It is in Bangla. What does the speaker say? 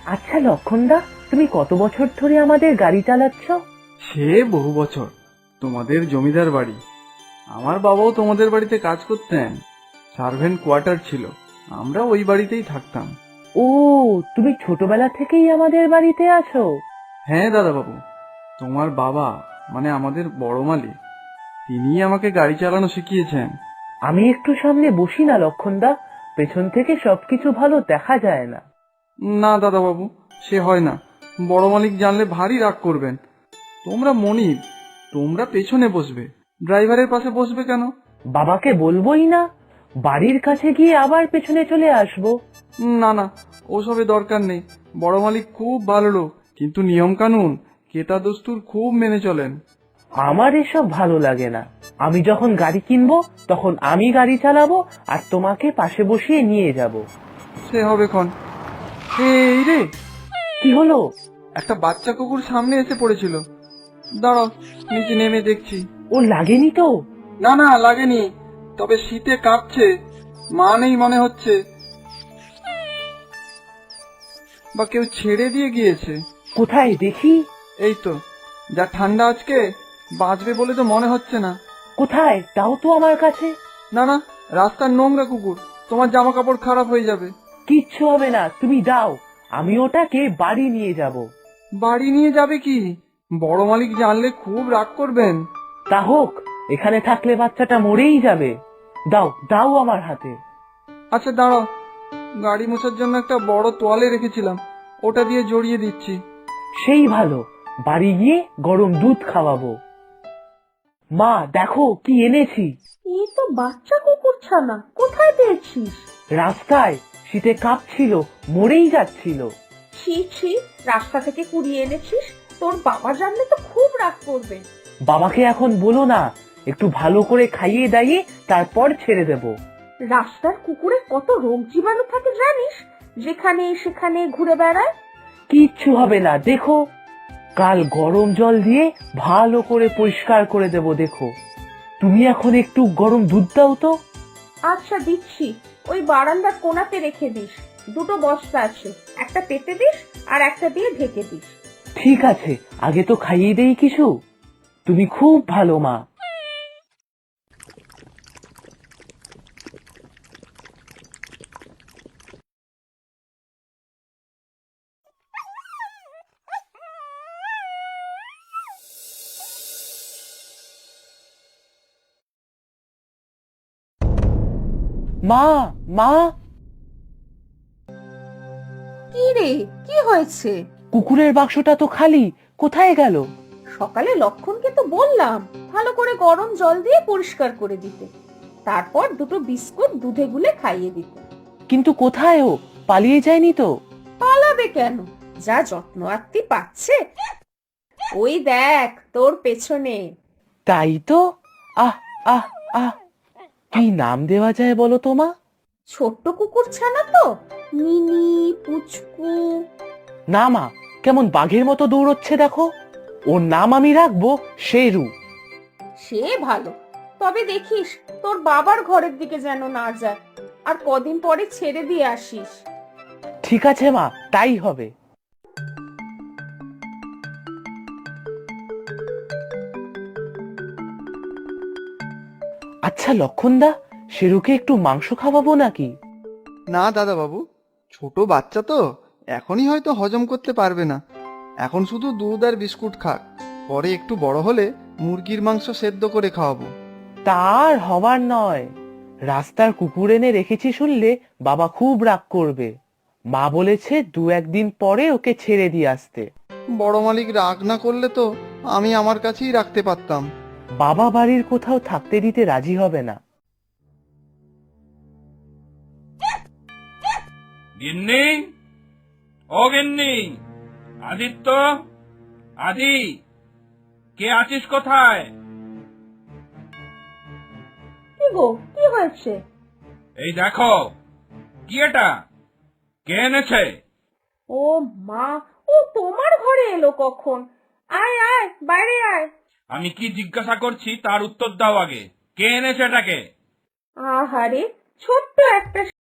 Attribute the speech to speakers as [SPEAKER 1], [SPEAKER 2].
[SPEAKER 1] আচ্ছা লক্ষণদা, তুমি কত বছর ধরে আমাদের গাড়ি চালাচ্ছ?
[SPEAKER 2] সে বহু বছর। তোমাদের জমিদার বাড়ি। আমার বাবাও তোমাদের বাড়িতে কাজ করতেন। সার্ভেন্ট কোয়ার্টার ছিল, আমরা ওই বাড়িতেই থাকতাম।
[SPEAKER 1] ও, তুমি ছোটবেলা থেকেই আমাদের বাড়িতে আছো?
[SPEAKER 2] হ্যাঁ দাদা বাবু, তোমার বাবা মানে আমাদের বড় মালিক, তিনিই আমাকে গাড়ি চালানো শিখিয়েছেন।
[SPEAKER 1] আমি একটু সামনে বসি না লক্ষণদা? পেছন থেকে সবকিছু ভালো দেখা যায় না।
[SPEAKER 2] না দাদা বাবু, সে হয় না। বড় মালিক জানলে ভারী রাগ করবেন। তোমরা মনিব, তোমরা পেছনে বসবে, ড্রাইভারের পাশে বসবে কেন?
[SPEAKER 1] বাবাকে বলবোই না, বাড়ির কাছে গিয়ে আবার পেছনে চলে আসবো।
[SPEAKER 2] না না, ওসবে দরকার নেই। বড় মালিক খুব ভালো লোক, কিন্তু নিয়ম কানুন, কেতা দস্তুর খুব মেনে চলেন।
[SPEAKER 1] আমার এসব ভালো লাগে না। আমি যখন গাড়ি কিনবো তখন আমি গাড়ি চালাবো আর তোমাকে পাশে বসিয়ে নিয়ে যাব।
[SPEAKER 2] সে হবে ক্ষণ। এই রে,
[SPEAKER 1] কি হলো?
[SPEAKER 2] একটা বাচ্চা কুকুর সামনে এসে পড়েছিল। দাঁড়াও, নিচে নেমে দেখছি।
[SPEAKER 1] ও লাগেনি তো?
[SPEAKER 2] না না, লাগেনি, তবে শীতে কাঁপছে। মা নেই মনে হচ্ছে, বা কেউ ছেড়ে দিয়ে গিয়েছে।
[SPEAKER 1] কোথায় দেখি?
[SPEAKER 2] এই তো, যা ঠান্ডা আজকে, বাঁচবে বলে তো মনে হচ্ছে না।
[SPEAKER 1] কোথায় তাও তো আমার কাছে।
[SPEAKER 2] না না, রাস্তার নোংরা কুকুর, তোমার জামা কাপড় খারাপ হয়ে যাবে।
[SPEAKER 1] কিচ্ছু হবে না, তুমি দাও, আমি ওটাকে বাড়ি নিয়ে যাব।
[SPEAKER 2] বাড়ি নিয়ে যাবে কি? বড় মালিক জানলে খুব রাগ করবেন।
[SPEAKER 1] তা হোক, এখানে থাকলে বাচ্চাটা মরেই যাবে। দাও দাও আমার হাতে।
[SPEAKER 2] আচ্ছা দাঁড়াও, গাড়ি মোছার জন্য একটা বড় তোয়ালে রেখেছিলাম, ওটা দিয়ে জড়িয়ে দিচ্ছি।
[SPEAKER 1] সেই ভালো, বাড়ি গিয়ে গরম দুধ খাওয়াবো। মা দেখো কি এনেছি।
[SPEAKER 3] এই তো বাচ্চা কুকুর ছানা, কোথায় পেয়েছিস?
[SPEAKER 1] রাস্তায় শীতে কাঁপছিল, মরেই যাচ্ছিল।
[SPEAKER 3] ছি ছি, রাস্তা থেকে কুড়িয়ে এনেছিস? তোর বাবা জানলে তো খুব রাগ করবে।
[SPEAKER 1] বাবাকে এখন বলো না, একটু ভালো করে খাইয়ে দাইয়ে তারপর ছেড়ে দেব।
[SPEAKER 3] রাস্তার কুকুরে কত রোগ জীবাণু থাকে জানিস? যেখানে সেখানে ঘুরে বেড়ায়।
[SPEAKER 1] কিচ্ছু হবে না, দেখো। কাল গরম জল দিয়ে ভালো করে পরিষ্কার করে দেব, দেখো। তুমি এখন একটু গরম দুধ দাও তো।
[SPEAKER 3] আচ্ছা দিচ্ছি, ওই বারান্দার কোণাতে রেখে দিস। দুটো বস্তা আছে, একটা পেতে দিস আর একটা দিয়ে ঢেকে দিস।
[SPEAKER 1] ঠিক আছে, আগে তো খাইয়ে দেই কিছু। তুমি খুব ভালো মা। মা, মা।
[SPEAKER 3] কি রে, কি হয়েছে?
[SPEAKER 1] কুকুরের বাক্সটা তো খালি, কোথায় গেল?
[SPEAKER 3] সকালে লক্ষণকে তো বললাম ভালো করে গরম জল দিয়ে পরিষ্কার করে দিতে, তারপর দুটো বিস্কুট দুধে গুলে খাইয়ে দিতে।
[SPEAKER 1] কিন্তু কোথায় ও? পালিয়ে যায়নি তো?
[SPEAKER 3] পালাবে কেন, যা যত্ন আত্তি পাচ্ছে। ওই দেখ তোর পেছনে।
[SPEAKER 1] তাই তো। আহ আহ আহ, কি নাম দেওয়া যায় বলো তো মা?
[SPEAKER 3] ছোট্ট কুকুর ছানা তো, মিনি পুচকু।
[SPEAKER 1] না মা, কেমন বাঘের মতো দৌড়চ্ছে দেখো। ওর নাম আমি রাখবো শেরু।
[SPEAKER 3] সে ভালো, তবে দেখিস তোর বাবার ঘরের দিকে যেন না যায়, আর কদিন পরে ছেড়ে দিয়ে আসিস।
[SPEAKER 1] ঠিক আছে মা, তাই হবে। আচ্ছা লক্ষণদা, শেরুকে একটু মাংস খাওয়াবো নাকি?
[SPEAKER 2] না দাদা বাবু, ছোট বাচ্চা তো, এখনই হয়তো হজম করতে পারবে না। এখন শুধু দুধ আর বিস্কুট খাক, পরে একটু বড় হলে মুরগির মাংস সেদ্ধ করে খাওয়াবো।
[SPEAKER 1] তার হবার নয়। রাস্তার কুকুর এনে রেখেছি শুনলে বাবা খুব রাগ করবে। মা বলেছে 2-1 দিন পরে ওকে ছেড়ে দিয়ে আসতে।
[SPEAKER 2] বড় মালিক রাগ না করলে তো আমি আমার কাছেই রাখতে পারতাম।
[SPEAKER 1] বাবা বাড়ির কোথাও থাকতে দিতে রাজি হবে না।
[SPEAKER 4] গিন্নি, ও গিন্নি, আদিত্য, আদি, কে আছিস কোথায়?
[SPEAKER 3] কি গো, কি হয়েছে?
[SPEAKER 4] এই দেখো, কি এটা? কে এনেছে?
[SPEAKER 3] ও মা, ও তোমার ঘরে এলো কখন? আয় আয়, বাইরে আয়।
[SPEAKER 4] আমি কি জিজ্ঞাসা করছি তার উত্তর দাও আগে। কে এনেছে এটাকে?
[SPEAKER 3] আহারে, ছোট্ট একটা